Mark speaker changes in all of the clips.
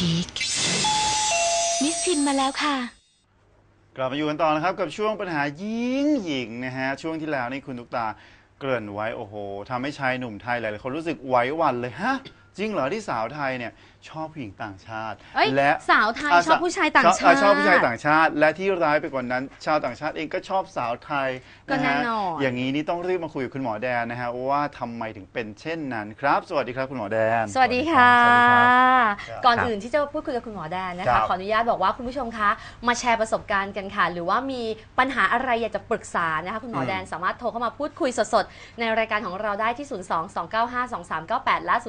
Speaker 1: ชิคมิสพิมพ์มาแล้วค่ะ
Speaker 2: กลับมาอยู่กันต่อนะครับกับช่วงปัญหาหญิงนะฮะช่วงที่แล้วนี่คุณตุ๊กตาเกริ่นไว้โอ้โหทำให้ชายหนุ่มไทยหลายๆคนรู้สึกไหวหวั่นเลยฮะจริงเหรอที่สาวไทยเนี่ยชอบผู้หญิงต่างชาติ
Speaker 3: และสาวไทยชอบผู้ชายต่างชาติ
Speaker 2: ชอบผู้ชายต่างชาติและที่ร้ายไปกว่านั้นชาวต่างชาติเองก็ชอบสาวไทยนะฮะอย่างนี้นี่ต้องรีบมาคุยกับคุณหมอแดนนะฮะว่าทำไมถึงเป็นเช่นนั้นครับสวัสดีครับคุณหมอแดน
Speaker 3: สวัสดีค่ะก่อนอื่นที่จะพูดคุยกับคุณหมอแดนนะคะขออนุญาตบอกว่าคุณผู้ชมคะมาแชร์ประสบการณ์กันค่ะหรือว่ามีปัญหาอะไรอยากจะปรึกษานะคะคุณหมอแดนสามารถโทรเข้ามาพูดคุยสดๆในรายการของเราได้ที่ 02-295-2398 และ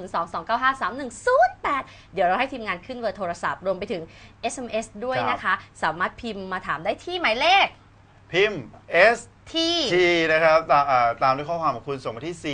Speaker 3: 02-295-3108 เดี๋ยวเราให้ทีมงานขึ้นเบอร์โทรศัพท์รวมไปถึง SMS ด้วยนะคะสามารถพิมพ์มาถามได้ที่หมายเลข
Speaker 2: พิมพ์ S ที่นะครับตามด้วยข้อความของคุณส่งมาที่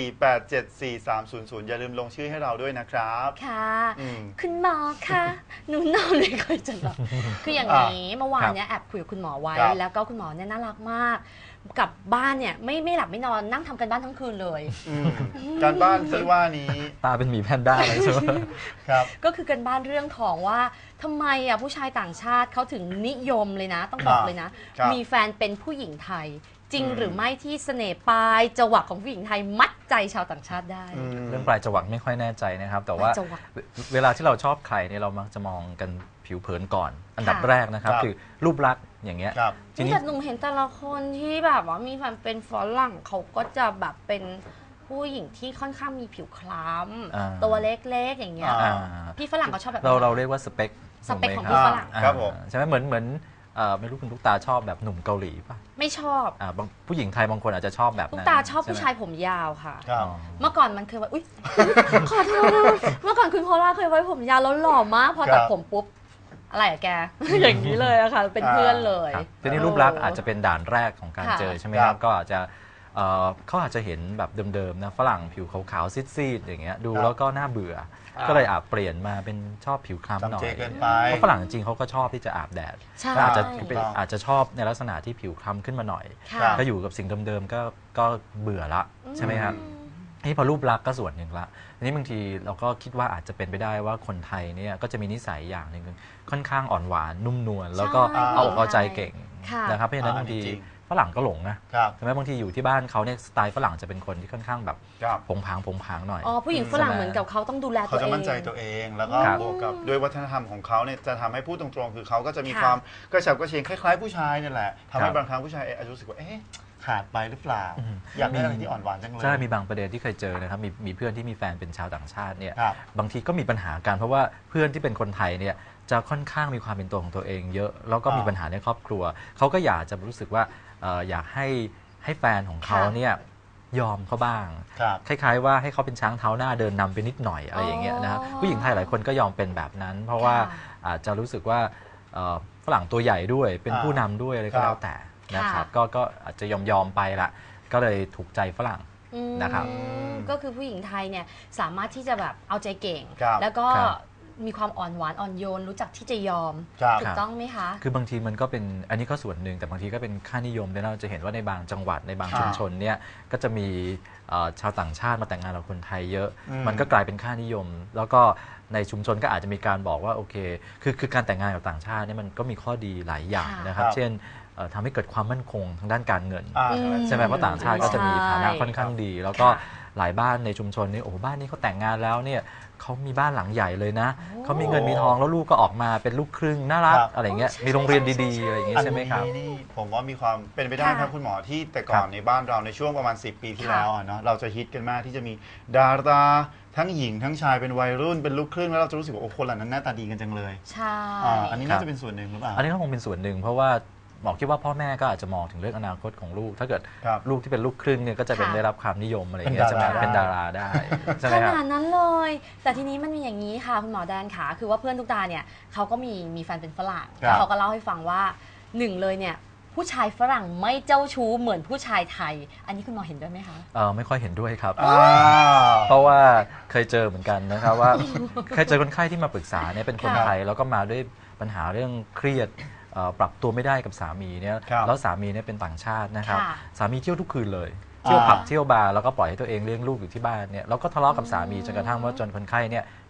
Speaker 2: 4874300 อย่าลืมลงชื่อให้เราด้วยนะครับ
Speaker 3: ค่ะคุณหมอคะหนูนอนไม่ค่อยจะหลับคืออย่างนี้เมื่อวานเนี้ยแอบคุยกับคุณหมอไว้แล้วก็คุณหมอเนี่ยน่ารักมากกลับบ้านเนี่ยไม่หลับไม่นอนนั่งทำกันบ้านทั้งคืนเลย
Speaker 2: การบ้านที่ว่านี้
Speaker 4: ตาเป็นหมีแพนด้าเลยใช่ไหม
Speaker 2: ครับ
Speaker 3: ก็คือกันบ้านเรื่องของว่าทำไมผู้ชายต่างชาติเขาถึงนิยมเลยนะต้องบอกเลยนะมีแฟนเป็นผู้หญิงไทยจริงหรือไม่ที่เสน่ห์ปลายจวักของผู้หญิงไทยมัดใจชาวต่างชาติได้
Speaker 4: เรื่องปลายจวักไม่ค่อยแน่ใจนะครับแต่ว่าเวลาที่เราชอบใครเนี่ยเรามักจะมองกันผิวเผินก่อนอันดับแรกนะครับคือรูปลักษณ์อย่างเงี้ย
Speaker 3: ทีนี้แต่หนุ่มเห็นแต่ละคนที่แบบว่ามีแฟนเป็นฝรั่งเขาก็จะแบบเป็นผู้หญิงที่ค่อนข้างมีผิวคล้ำตัวเล็กๆอย่างเงี้ยพี่ฝรั่งเขาชอบแบบ
Speaker 4: เราเรียกว่าสเปค
Speaker 3: ของพี่ฝรั่ง
Speaker 2: ครับผม
Speaker 4: ใช่ไหมเหมือนไม่รู้คุณตุ๊กตาชอบแบบหนุ่มเกาหลีป่ะ
Speaker 3: ไม่ชอบ
Speaker 4: ผู้หญิงไทยบางคนอาจจะชอบแบบนั้น
Speaker 3: ตุ๊กตาชอบผู้ชายผมยาวค่ะเมื่อก่อนมันเคยว่าอุ๊ยขอโทษเมื่อก่อนคุณโพล่าเคยไว้ผมยาวแล้วหล่อมากพอตัดผมปุ๊บอะไรอะแกอย่างนี้เลยอะค่ะเป็นเพื่อนเลย
Speaker 4: ทีนี้รูปลักษณ์อาจจะเป็นด่านแรกของการเจอใช่ไหมครับก็อาจจะเขาอาจจะเห็นแบบเดิมๆนะฝรั่งผิวขาวๆซีดๆอย่างเงี้ยดูแล้วก็น่าเบื่อก็เลยเปลี่ยนมาเป็นชอบผิวคล้ำหน่อยเพราะฝรั่งจริงเขาก็ชอบที่จะอาบแดดก็อาจจะชอบในลักษณะที่ผิวคล้ำขึ้นมาหน่อยก็อยู่กับสิ่งเดิมๆก็เบื่อละใช่ไหมครับนี่พอรูปลักษณ์ก็ส่วนหนึ่งละทีนี้บางทีเราก็คิดว่าอาจจะเป็นไปได้ว่าคนไทยเนี่ยก็จะมีนิสัยอย่างหนึ่งค่อนข้างอ่อนหวานนุ่มนวลแล้วก็เอาอกเอาใจเก่งนะครับเพราะฉะนั้นบางทีฝรั่งก็หลงนะใช่ไหมบางทีอยู่ที่บ้านเขาเนี่ยสไตล์ฝรั่งจะเป็นคนที่ค่อนข้างแบบผงผางหน่อย
Speaker 3: ผู้หญิงฝรั่งเหมือนกับเขาต้องดูแลตัวเอง
Speaker 2: เขาจะมั่นใจตัวเองแล้วก็บวกกับด้วยวัฒนธรรมของเขาเนี่ยจะทำให้พูดตรงๆคือเขาก็จะมีความกระฉับกระเฉงคล้ายๆผู้ชายนี่แหละทำให้บางครั้งผู้ชายอาจจะรู้สึกว่าขาดไปหรือเปล่าอยากได้อะไรที่อ่อนหวานจังเลย
Speaker 4: ใช่มีบางประเด็นที่เคยเจอนะครับมีเพื่อนที่มีแฟนเป็นชาวต่างชาติเนี่ยบางทีก็มีปัญหากันเพราะว่าเพื่อนที่เป็นคนไทยเนี่ยจะค่อนข้างมีความเป็นตัวของตัวเองเยอะแล้วก็มีปัญหาในครอบครัวเขาก็อยากจะรู้สึกว่าอยากให้แฟนของเขาเนี่ยยอมเขาบ้างคล้ายๆว่าให้เขาเป็นช้างเท้าหน้าเดินนำไปนิดหน่อยอะไรอย่างเงี้ยนะครับผู้หญิงไทยหลายคนก็ยอมเป็นแบบนั้นเพราะว่าอาจจะรู้สึกว่าฝรั่งตัวใหญ่ด้วยเป็นผู้นำด้วยอะไรก็แล้วแต่นะครับก็อาจจะยอมไปละก็เลยถูกใจฝรั่งนะครับ
Speaker 3: ก็คือผู้หญิงไทยเนี่ยสามารถที่จะแบบเอาใจเก่งแล้วก็มีความอ่อนหวานอ่อนโยนรู้จักที่จะยอมถูกต้องไหมคะ
Speaker 4: คือบางทีมันก็เป็นอันนี้ก็ส่วนหนึ่งแต่บางทีก็เป็นค่านิยมเราจะเห็นว่าในบางจังหวัดในบางชุมชนเนี่ยก็จะมีชาวต่างชาติมาแต่งงานกับคนไทยเยอะมันก็กลายเป็นค่านิยมแล้วก็ในชุมชนก็อาจจะมีการบอกว่าโอเคคือการแต่งงานกับต่างชาติเนี่ยมันก็มีข้อดีหลายอย่างนะครับเช่นทำให้เกิดความมั่นคงทางด้านการเงินใช่ไหมเพราะต่างชาติก็จะมีฐานะค่อนข้างดีแล้วก็หลายบ้านในชุมชนนี่โอ้บ้านนี้เขาแต่งงานแล้วเนี่ยเขามีบ้านหลังใหญ่เลยนะเขามีเงินมีทองแล้วลูกก็ออกมาเป็นลูกครึ่งน่ารักอะไรเงี้ยมีโรงเรียนดีๆอะไรอย่างเงี้ยใช่ไหมครับ
Speaker 2: นี่ผมว่ามีความเป็นไปได้ครับคุณหมอที่แต่ก่อนในบ้านเราในช่วงประมาณ10 ปีที่แล้วเนาะเราจะฮิตกันมากที่จะมีดาราทั้งหญิงทั้งชายเป็นวัยรุ่นเป็นลูกครึ่งแล้วเราจะรู้สึกว่าโอ้คนเหล่านั้นหน้าตาดีกันจังเลย
Speaker 3: ใช่
Speaker 2: อันนี้น่าจะเป็นส่วนหนึ่งหรือเปล่า
Speaker 4: อันนี้ก็คงเป็นส่วนหนึ่งเพราะว่าหมอคิดว่าพ่อแม่ก็อาจจะมองถึงเรื่องอนาคตของลูกถ้าเกิดลูกที่เป็นลูกครึ่งเนี่ยก็จะเป็นได้รับความนิยมอะไรอย่างเงี้ยจะเป็นดาราได้
Speaker 3: ขนาดนั้นเลยแต่ทีนี้มันมีอย่างนี้ค่ะคุณหมอแดนค่ะคือว่าเพื่อนทุกตาเนี่ยเขาก็มีแฟนเป็นฝรั่งเขาก็เล่าให้ฟังว่าหนึ่งเลยเนี่ยผู้ชายฝรั่งไม่เจ้าชู้เหมือนผู้ชายไทยอันนี้คุณหมอเห็นด้วยไหมคะ
Speaker 4: ไม่ค่อยเห็นด้วยครับเพราะว่าเคยเจอเหมือนกันนะครับว่าเคยเจอคนไข้ที่มาปรึกษาเนี่ยเป็นคนไทยแล้วก็มาด้วยปัญหาเรื่องเครียดปรับตัวไม่ได้กับสามีเนี่ยแล้วสามีเนี่ยเป็นต่างชาตินะครับสามีเที่ยวทุกคืนเลยเที่ยวผับเที่ยวบาร์แล้วก็ปล่อยให้ตัวเองเลี้ยงลูกอยู่ที่บ้านเนี่ยแล้วก็ทะเลาะกับสามีจนกระทั่งว่าจนคนไข้เนี่ย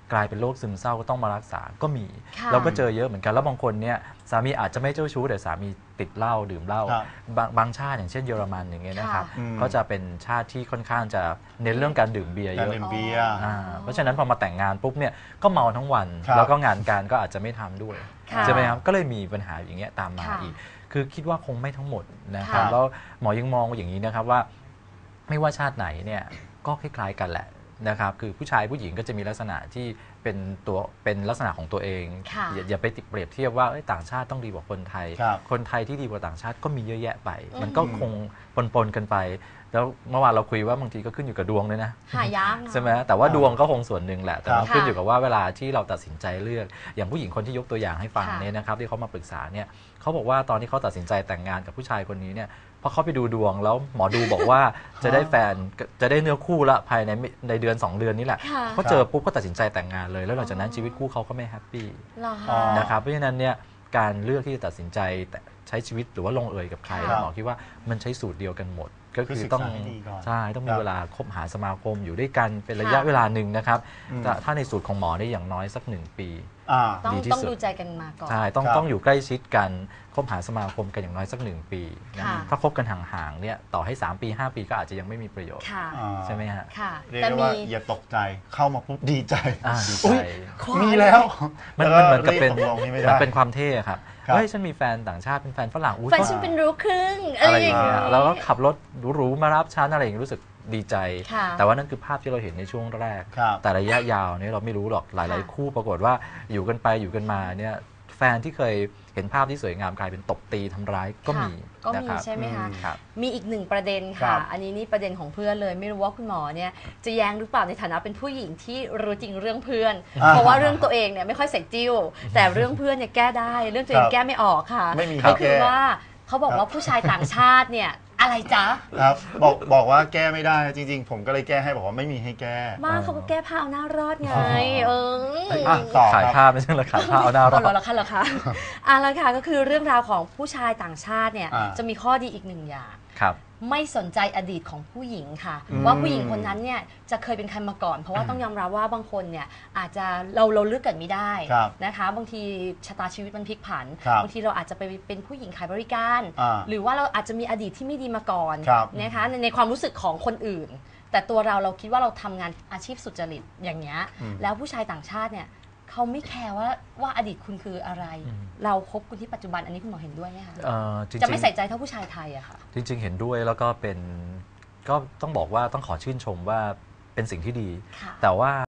Speaker 4: กลายเป็นโรคซึมเศร้าก็ต้องมารักษาก็มี
Speaker 3: ค่ะ
Speaker 4: เราก็เจอเยอะเหมือนกันแล้วบางคนเนี่ยสามีอาจจะไม่เจ้าชู้แต่สามีติดเหล้าดื่มเหล้า
Speaker 2: ครับ
Speaker 4: บางชาติอย่างเช่นเยอรมันอย่างเงี้ยนะครับ
Speaker 2: อืม
Speaker 4: ก็จะเป็นชาติที่ค่อนข้างจะเน้นเรื่องการดื่มเบียร์
Speaker 2: กา
Speaker 4: เย
Speaker 2: ร
Speaker 4: อะ
Speaker 2: ดื่มเบียร์
Speaker 4: เพราะฉะนั้นพอมาแต่งงานปุ๊บเนี่ยก็เมาทั้งวัน
Speaker 2: ครับ
Speaker 4: แล้วก็งานการก็อาจจะไม่ทำด้วย
Speaker 3: ค่ะ
Speaker 4: ใช่ไหมครับก็เลยมีปัญหาอย่างเงี้ยตามมา
Speaker 3: ค่ะ
Speaker 4: อีก คือคิดว่าคงไม่ทั้งหมดนะครับ
Speaker 3: ค่ะ
Speaker 4: แล้วหมอยังมองอย่างนี้นะครับว่าไม่ว่าชาติไหนเนี่ยก็คล้ายๆกันแหละนะครับคือผู้ชายผู้หญิงก็จะมีลักษณะที่เป็นลักษณะของตัวเอง
Speaker 3: ค่ะ
Speaker 4: อย่าไปติดเปรียบเทียบว่าต่างชาติต้องดีกว่าคนไทย
Speaker 2: ครับ
Speaker 4: คนไทยที่ดีกว่าต่างชาติก็มีเยอะแยะไป
Speaker 3: อืม
Speaker 4: มันก็คงปนๆกันไป แล้วเมื่อวานเราคุยว่าบางทีก็ขึ้นอยู่กับดวงด้วยนะ
Speaker 3: หายากเนอะ
Speaker 4: ใช่ไหมแต่ว่าดวงก็คงส่วนหนึ่งแหละ แต่มัน
Speaker 3: ค่ะ
Speaker 4: ขึ้นอยู่กับว่าเวลาที่เราตัดสินใจเลือก อย่างผู้หญิงคนที่ยกตัวอย่างให้ฟัง
Speaker 3: ค่ะ
Speaker 4: เนี่ยนะครับที่เขามาปรึกษาเนี่ยเขาบอกว่าตอนที่เขาตัดสินใจแต่งงานกับผู้ชายคนนี้เนี่ยพอเขาไปดูดวงแล้วหมอดูบอกว่าจะได้แฟนจะได้เนื้อคู่ละภายในเดือน 2 เดือนนี้แหละ
Speaker 3: ค่ะ
Speaker 4: เขาเจอปุ๊บก็ตัดสินใจแต่งงานเลย แล้วหลังจากนั้นชีวิตคู่เขาก็ไม่แฮปปี้
Speaker 3: เหรอ
Speaker 2: อ๋
Speaker 3: คะ
Speaker 2: อ
Speaker 4: นะครับเพราะฉะนั้นเนี่ยการเลือกที่จะตัดสินใจใช้ชีวิตหรือว่าลงเอยกับใคร
Speaker 3: ค่ะ
Speaker 4: หมอคิดว่ามันใช้สูตรเดียวกันหมด ก็
Speaker 2: คือ
Speaker 4: คือ
Speaker 2: ศึก
Speaker 4: ต้อง
Speaker 2: ษาให้ดีก่อน
Speaker 4: ใช่ต้องมี
Speaker 2: ครับ
Speaker 4: เวลาคบหาสมาคมอยู่ด้วยกันเป็นระยะ
Speaker 3: ค่ะ
Speaker 4: เวลาหนึ่งนะครับ
Speaker 2: อืม
Speaker 4: ถ้าในสูตรของหมอได้อย่างน้อยสัก 1 ปี
Speaker 2: อ่า
Speaker 3: ต้อง
Speaker 4: ดีที่
Speaker 3: ต้อง
Speaker 4: สุด
Speaker 3: ดูใจกันมาก่อน
Speaker 4: ใช่ต้อง
Speaker 2: ครับ
Speaker 4: ต้องอยู่ใกล้ชิดกันคบหาสมาคมกันอย่างน้อยสัก 1 ปีนะ
Speaker 3: ค่ะ
Speaker 4: ถ้าคบกันห่างๆเนี่ยต่อให้ 3 ปี 5 ปีก็อาจจะยังไม่มีประโยชน์
Speaker 3: ค่ะ
Speaker 2: อ่า
Speaker 4: ใช่ไหมฮะ
Speaker 3: ค่ะ
Speaker 2: เรียก
Speaker 3: แต่
Speaker 2: ได้
Speaker 3: มี
Speaker 2: ว่าอย่าตกใจเข้ามาปุ๊บดีใจ
Speaker 4: ดีใจ
Speaker 2: อุ๊ย
Speaker 3: ควาย
Speaker 2: มีแล้ว
Speaker 4: มัน
Speaker 2: แล้ว
Speaker 4: เหมือนกับ
Speaker 2: รี
Speaker 4: เป็น
Speaker 2: ตกลงนี่ไม่
Speaker 4: มัน
Speaker 2: ได้
Speaker 4: เป็นความเท่ครับ
Speaker 2: ครับ
Speaker 4: เฮ้ยฉันมีแฟนต่างชาติเป็นแฟนฝรั่งอุ๊ย
Speaker 3: แฟน
Speaker 4: ก็
Speaker 3: ฉันเป็นรู้ครึ่งอะ
Speaker 4: อะไร ไร
Speaker 3: อ
Speaker 4: อย่
Speaker 3: า
Speaker 4: ย่าง ง
Speaker 3: เงี้
Speaker 4: เงี้
Speaker 3: ย
Speaker 4: ยแล้วก็ขับรถหรูๆมารับฉันอะไรอย่างเงี้ยรู้สึกดีใจ
Speaker 3: ค่ะ
Speaker 4: แต่ว่านั่นคือภาพที่เราเห็นในช่วงแรก
Speaker 2: ครับ
Speaker 4: แต่ระยะยาวเนี่ยเราไม่รู้หรอกหลาย
Speaker 3: ค่ะ
Speaker 4: ๆ คู่ปรากฏว่าอยู่กันไปอยู่กันมาเนี่ยแฟนที่เคยเห็นภาพที่สวยงามกลายเป็นตบตีทำร้ายก็มี
Speaker 3: ก็
Speaker 4: นะ
Speaker 3: มี
Speaker 4: ครับ
Speaker 3: ใช่ไหมคะ
Speaker 4: ครับ
Speaker 3: มีอีกหนึ่งประเด็น
Speaker 2: ครั
Speaker 3: ค่ะ
Speaker 2: บ
Speaker 3: อันนี้นี่ประเด็นของเพื่อนเลย ไม่รู้ว่าคุณหมอเนี่ยจะแย้งหรือเปล่าในฐานะเป็นผู้หญิงที่รู้จริงเรื่องเพื่อน เพราะว่าเรื่องตัวเองเนี่ยไม่ค่อยใส่จิ้ว แต่เรื่องเพื่อนเนี่ยแก้ได้ เรื่องตัวเองแก้ไม่ออกค่ะ
Speaker 2: ไม่มี
Speaker 3: ก็คือ
Speaker 2: แก้
Speaker 3: ว่าเขาบอกว่าผู้ชายต่างชาติเนี่ยอะไรจ๊ะ
Speaker 2: ครับบอกว่าแก้ไม่ได้จริง ๆ ผมก็เลยแก้ให้บอกว่าไม่มีให้แก้
Speaker 3: บ้านเขาก็แก้ผ้าเอาหน้ารอดไง เออ
Speaker 2: อ่ะต่อ
Speaker 4: ขาย
Speaker 2: ครับ
Speaker 4: ภาพไม่ใช่เหรอขายภาพเอาหน้ารอ
Speaker 3: เอา
Speaker 4: ด
Speaker 3: เหรอคะเหรอคะอ่ะแล้วค่ะก็คือเรื่องราวของผู้ชายต่างชาติเนี่ย
Speaker 2: อ่า
Speaker 3: จะมีข้อดีอีกหนึ่งอย่าง
Speaker 4: ครับ
Speaker 3: ไม่สนใจอดีตของผู้หญิงค่ะ
Speaker 2: อืม
Speaker 3: ว่าผู้หญิงคนนั้นเนี่ยจะเคยเป็นใครมาก่อน เพราะว่าต้องยอมรับว่าบางคนเนี่ยอาจจะเราเลือกเกิดไม่ได้
Speaker 2: ครับ
Speaker 3: นะคะ บางทีชะตาชีวิตมันพลิกผัน
Speaker 2: ครับ
Speaker 3: บางทีเราอาจจะไปเป็นผู้หญิงขายบริการ
Speaker 2: อ่า
Speaker 3: หรือว่าเราอาจจะมีอดีตที่ไม่ดีมาก่อน
Speaker 2: ครับ
Speaker 3: นะคะในความรู้สึกของคนอื่น แต่ตัวเราคิดว่าเราทำงานอาชีพสุจริตอย่างเงี้ย
Speaker 2: อืม
Speaker 3: แล้วผู้ชายต่างชาติเนี่ยเขาไม่แคร์ว่าอดีตคุณคืออะไร
Speaker 4: อืม
Speaker 3: เราคบคุณที่ปัจจุบันอันนี้คุณหมอเห็นด้วยไหมคะ
Speaker 4: จริง
Speaker 3: จะไม่ใส่ใจเท่าผู้ชายไทยอะค่ะ
Speaker 4: จริง ๆ เห็นด้วยแล้วก็เป็นก็ต้องบอกว่าต้องขอชื่นชมว่าเป็นสิ่งที่ดี
Speaker 3: ค่ะ
Speaker 4: แต่ว่า